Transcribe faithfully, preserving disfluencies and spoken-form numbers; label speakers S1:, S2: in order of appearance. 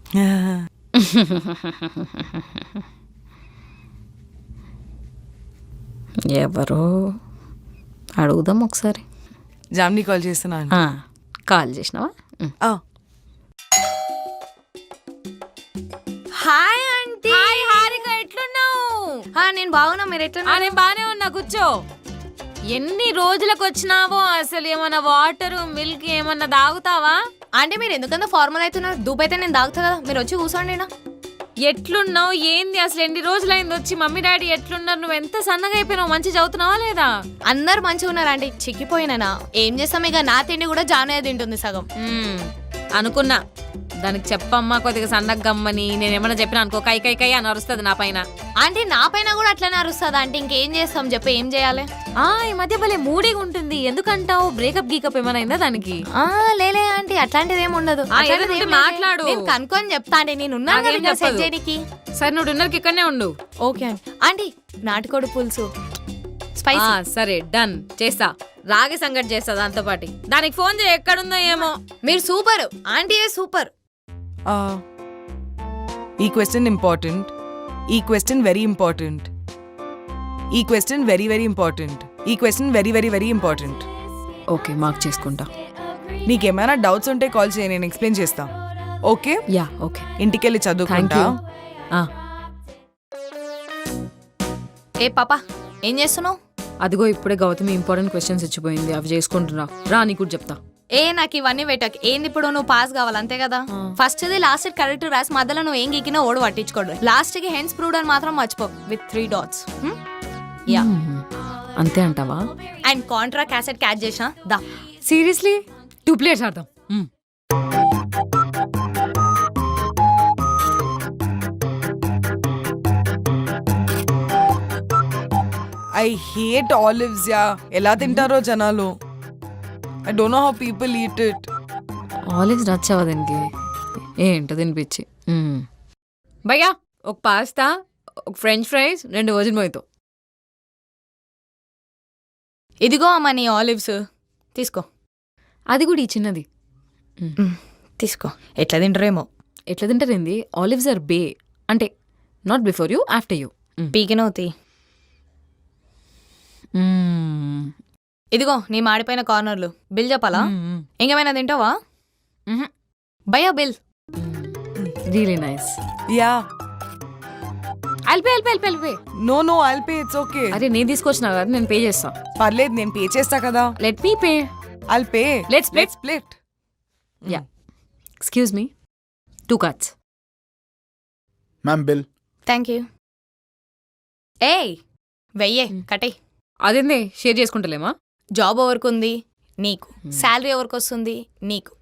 S1: ఎవరో అడుగుదాం ఒకసారి.
S2: జామ్ని కాల్ చేస్తున్నాను.
S1: కాల్ చేసినావా?
S3: Hi aunty.
S1: హాయ్ హారిక, ఎట్లున్నావు?
S3: నేను బాగున్నా, మీరు ఎట్లున్నా?
S1: నేను బానే ఉన్నా, కూర్చో. ఎన్ని రోజులకు వచ్చినావో, అసలు ఏమన్నా వాటర్ మిల్క్ ఏమన్నా తాగుతావా?
S3: అంటే మీరు ఎందుకంత ఫార్మల్ అవుతున్నారు? దూపు అయితే నేను తాగుతా కదా, మీరు వచ్చి కూర్చోండి. నా
S1: ఎట్లున్నావు? ఏంది అసలు ఎన్ని రోజులైంది వచ్చి? మమ్మీ డాడీ ఎట్లున్నారు? నువ్వు ఎంత సన్నగా అయిపోయినావు? మంచి చదువుతున్నావా లేదా?
S3: అందరు మంచిగా ఉన్నారు ఆంటీ, చిక్కిపోయినా. ఏం చేస్తాం, ఇక నా తిండి కూడా జానయ్య తింటుంది సగం.
S1: అనుకున్నా దానికి చెప్పమ్మా కొద్దిగా సన్నగా గమ్మని. నేనేమన్నా చెప్పినా అనుకో, కై కై కై అని అరుస్తుంది నా పైన.
S3: ఆంటీ నా పైన కూడా అట్లనే అరుస్తుంది అంటే ఇంకేం చేస్తాం చెప్పి, ఏం చేయాలి?
S1: ఆ ఈ మధ్య భలే మూడీగా ఉంటుంది. ఎందుకంటావు? బ్రేకప్ గీకప్ ఏమైనా అయిందా దానికి?
S3: ఆ లేలే ఆంటీ, అట్లాంటిది ఏమి ఉండదు.
S1: మాట్లాడు,
S3: నేను కనుక్కొని చెప్తా అండి. నేను ఉన్నాను సెట్ చేయడానికి.
S1: సరే నువ్వు డిన్నర్కి ఇక్కడనే ఉండు.
S3: Okay aunty. ఆంటీ నాటుకోడి పులుసు స్పైసీ.
S1: సరే డన్, చేస్తా. రాగి సంగటి చేస్తా దాంతో పాటు. దానికి ఫోన్ చేయి, ఎక్కడుందో ఏమో.
S3: మీరు సూపర్ ఆంటీ, సూపర్.
S2: ఈ క్వశ్చన్ ఇంపార్టెంట్, ఈ క్వశ్చన్ వెరీ ఇంపార్టెంట్, ఈ క్వశ్చన్ వెరీ వెరీ ఇంపార్టెంట్, ఈ question very very very important.
S1: Okay, mark చేసుకుంటా.
S2: నీకేమైనా డౌట్స్ ఉంటే కాల్ చేయి, నేను ఎక్స్ప్లెయిన్ చేస్తా. Okay
S1: ya okay.
S2: ఇంటికెళ్ళి చదువుకుంటా.
S3: ఏ పాపా, ఏం చేస్తున్నావు?
S1: అదిగో ఇప్పుడే గౌతమి ఇంపార్టెంట్ క్వశ్చన్స్ ఇచ్చిపోయింది, అవి చేసుకుంటున్నా. రా నీకు కూడా చెప్తా.
S3: ఏ నాకు ఇవన్నీ పెట్టకు. ఏంది ఇప్పుడు నువ్వు పాస్ కావాలి అంతే కదా. ఫస్ట్ ది లాస్ట్ కరెక్ట్ రాసి మధ్యలో నువ్వు ఏం గీకినా ఓడి పట్టించుకోడు. లాస్ట్ కి హెన్స్ ప్రూవ్డ్ అని మాత్రం మర్చిపో, విత్ త్రీ డాట్స్. యా
S1: అంతే అంటావా?
S3: అండ్ కాంట్రా క్యాసెట్ క్యాచ్ చేసిన దా.
S1: సీరియస్లీ టూ ప్లేట్స్ ఆడదాం.
S2: I hate olives ya. ఎలా తింటారో జనాలు. I don't know how people eat it.
S1: Olives నచ్చావా దీనికి? ఏంటో తినిపించి. భయ్యా ఒక పాస్తా, ఒక ఫ్రెంచ్ ఫ్రైస్, రెండు వజన్ మోయితో.
S3: ఇదిగో అమ్మా నీ ఆలివ్స్, తీసుకో.
S1: అది కూడా ఈ చిన్నది
S3: తీసుకో. ఎట్లా తింటారేమో.
S1: ఎట్లా తింటారేంది? ఆలివ్స్ ఆర్ బే, అంటే not before you, after you.
S3: పీకినవుతి. ఇదిగో నీ మాడిపోయిన కార్నర్లు. బిల్ చెప్పాలా? ఇంకేమైనా తింటావా? భయ్యా bill.
S1: Really nice.
S2: Ya
S1: I'll pay, I'll pay, I'll pay.
S2: No no I'll pay, it's okay.
S1: అరే నేను తీసుకొచ్చినా కదా, నేను పే చేస్తా.
S2: పర్లేదు, నేను పే చేస్తా కదా.
S1: Let me pay.
S2: I'll pay.
S1: Let's split.
S2: Let's split.
S1: Yeah. Excuse me. Two cards.
S4: Ma'am bill.
S3: Thank you. ఏయ్ వెయ్యే కటే.
S1: అదేందే షేర్ చేసుకుంటలేమా?
S3: జాబ్ ఎవరికి ఉంది? నీకు. శాలరీ ఎవరికి వస్తుంది? నీకు.